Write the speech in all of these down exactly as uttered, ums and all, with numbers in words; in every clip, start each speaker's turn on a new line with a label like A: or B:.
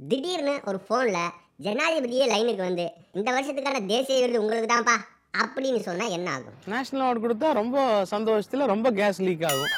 A: திடீர்னு ஒரு ஃபோனில் ஜனாதிபதியே லைனுக்கு வந்து இந்த வருஷத்துக்கான தேசிய விருது உங்களுக்கு தான்ப்பா அப்படின்னு சொன்னா என்ன ஆகும்?
B: நேஷனல் அவார்டு கொடுத்தா ரொம்ப சந்தோஷத்துல ரொம்ப கேஸ் லீக் ஆகும்.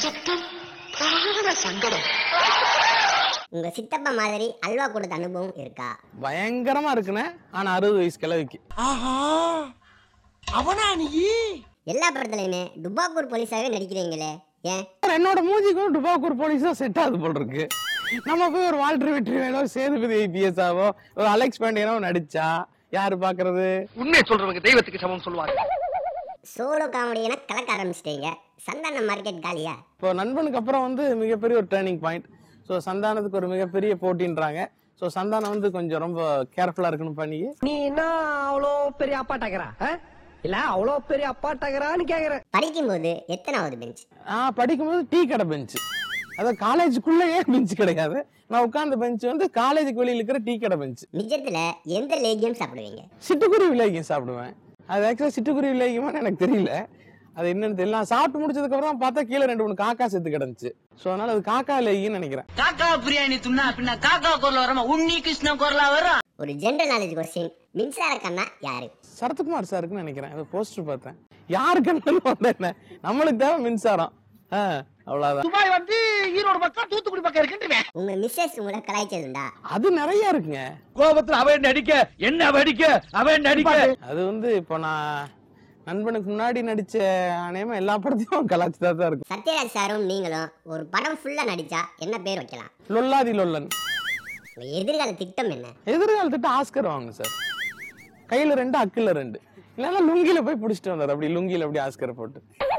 A: உங்க சித்தப்பா மாதிரி அல்வா கொடுத்த அனுபவம் இருக்கா?
B: பயங்கரமா இருக்குனே. ஆனா அறுபது வயசு கிழவிக்கு.
C: ஆஹா அவனா நீ?
A: எல்லா படத்துலயுமே டுபாக்கூர் போலீஸாவே நடிக்கிறீங்களே ஏன்?
B: என்னோட மூஞ்சிக்கும் டுபாக்கூர் போலீஸ் தான் செட் ஆகுது போல் இருக்கு. நம்ம போய் ஒரு வால்டர் வெற்றி வேணோ சேதுபதி ஐபிஎஸ் ஆவோ ஒரு அலெக்ஸ் பாண்டியனோ நடிச்சா யாரு பாக்குறது?
C: உண்மையை சொல்றவங்க தெய்வத்துக்கு சமம் சொல்லுவாங்க.
A: சோலோ காமெடினா கலக்க ஆரம்பிச்சிட்டீங்க. சந்தான மார்க்கெட் காலியா?
B: இப்போ நண்பனுக்கு அப்புறம் வந்து மிகப்பெரிய ஒரு டேர்னிங் பாயிண்ட். ஸோ சந்தானத்துக்கு ஒரு மிகப்பெரிய போட்டின்றாங்க. ஸோ சந்தானம் வந்து கொஞ்சம் ரொம்ப கேர்ஃபுல்லா இருக்கணும் பண்ணி.
D: நீ என்ன அவ்வளோ பெரிய அப்பாட்டாக்கிறா இல்ல அவ்வளோ பெரிய அப்பாட்டாக்கிறான்னு கேக்குற.
A: படிக்கும்போது எத்தனாவது பெஞ்ச்?
B: நான் படிக்கும்போது டீ கடை பெஞ்சு. அதாவது காலேஜுக்குள்ளேயே பெஞ்சு கிடையாது. நான் உட்கார்ந்த பெஞ்ச் வந்து காலேஜுக்கு வெளியில் இருக்கிற டீ கடை பெஞ்சு.
A: நிஜத்துல எந்த லேகியம் சாப்பிடுவீங்க?
B: சிட்டுக்குருவி லேகியம் சாப்பிடுவேன். அது ஆக்சுவலா சிட்டுக்குருவி லேகியமான்னு எனக்கு தெரியல. அது என்னன்னு தெரியல. சாப்பிட்டு முடிச்சதுக்கு அப்புறம் பார்த்தா கீழே ரெண்டு மூணு காக்கா செத்து கிடந்துச்சு. சோ அதனால அது காக்கா லேகியம்னு நினைக்கிறேன்.
E: காக்கா பிரியாணி துண்ணா அப்படின்னா காக்கா குரல் வரமா உன்னி கிருஷ்ண குரலா வரும்.
A: ஒரு ஜெனரல் நாலேஜ் கொஸ்டின், மின்சார கண்ணா யாரு?
B: சரத்குமார் சாருக்குன்னு நினைக்கிறேன். அது போஸ்டர் பார்த்தேன். யாருக்கு என்ன நம்மளுக்கு தேவை மின்சாரம். அவ்வளவுதான்.
C: துபாய் வந்து ஈரோடு பக்கம் தூத்துக்குடி பக்கம் இருக்குன்றே.
A: உங்க மிஸ்ஸஸ் உங்களை கலாய்ச்சதுண்டா?
B: அது நிறைய இருக்குங்க.
C: கோபத்துல அவன் நடிக்க என்ன அடிக்க அவன் நடிக்க.
B: அது வந்து இப்போ நான் நண்பனுக்கு முன்னாடி நடிச்ச அநேகமா எல்லா படத்தையும் கலாச்சிதா தான் இருக்கும்.
A: சத்யராஜ் சாரும் நீங்களும் ஒரு படம் ஃபுல்லா நடிச்சா என்ன பேர் வைக்கலாம்?
B: லொல்லாதி லொல்லன்.
A: உங்க எதிர்கால திட்டம் என்ன?
B: எதிர்கால திட்டம் ஆஸ்கர் வாங்க சார். கையில ரெண்டு அக்குல ரெண்டு இல்லைன்னா லுங்கில போய் பிடிச்சிட்டு வந்தார். அப்படி லுங்கில அப்படி ஆஸ்கர் போட்டு